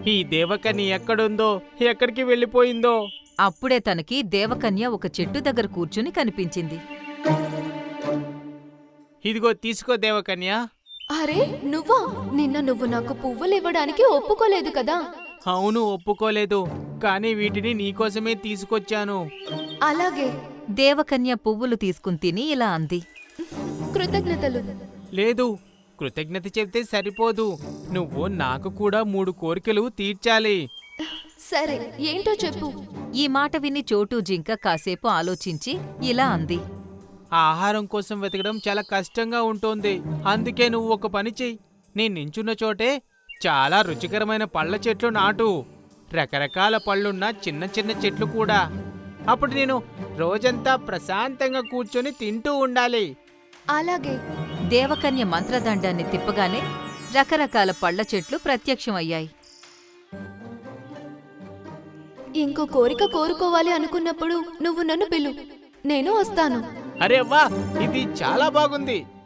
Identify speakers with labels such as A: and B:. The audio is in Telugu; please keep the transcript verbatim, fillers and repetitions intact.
A: ఈ దేవకన్య ఎక్కడుందో, ఎక్కడికి వెళ్ళిపోయిందో.
B: అప్పుడే తనకి దేవకన్య ఒక చెట్టు దగ్గర కూర్చుని కనిపించింది.
A: ఇదిగో తీసుకో దేవకన్య.
C: అరే నువ్వా? నిన్న నువ్వు నాకు పువ్వులివ్వడానికి ఒప్పుకోలేదు కదా?
A: అవును, ఒప్పుకోలేదు, కానీ వీటిని నీకోసమే తీసుకొచ్చాను.
C: అలాగే.
B: దేవకన్య పువ్వులు తీసుకుని తిని ఇలా అంది.
C: కృతజ్ఞతలు.
A: లేదు, కృతజ్ఞత చెప్తే సరిపోదు, నువ్వు నాకు కూడా మూడు కోరికలు తీర్చాలి.
C: సరే, ఏంటో చెప్పు.
B: ఈ మాట విని చోటు జింక కాసేపు ఆలోచించి ఇలా అంది.
A: ఆహారం కోసం వెతకడం చాలా కష్టంగా ఉంటోంది. అందుకే నువ్వు ఒక పని చెయ్యి. నేను నించున్న చోటే చాలా రుచికరమైన పళ్ళ చెట్లు నాటు, రకరకాల పళ్ళున్న చిన్న చిన్న చెట్లు కూడా. అప్పుడు నేను రోజంతా ప్రశాంతంగా కూర్చొని తింటూ ఉండాలి.
C: అలాగే.
B: దేవకన్య మంత్రదండాన్ని తిప్పగానే రకరకాల పళ్ళ చెట్లు ప్రత్యక్షమయ్యాయి.
C: ఇంకో కోరిక కోరుకోవాలి అనుకున్నప్పుడు నువ్వు నన్ను పిలు, నేను వస్తాను.
A: అరే వా, ఇది చాలా బాగుంది.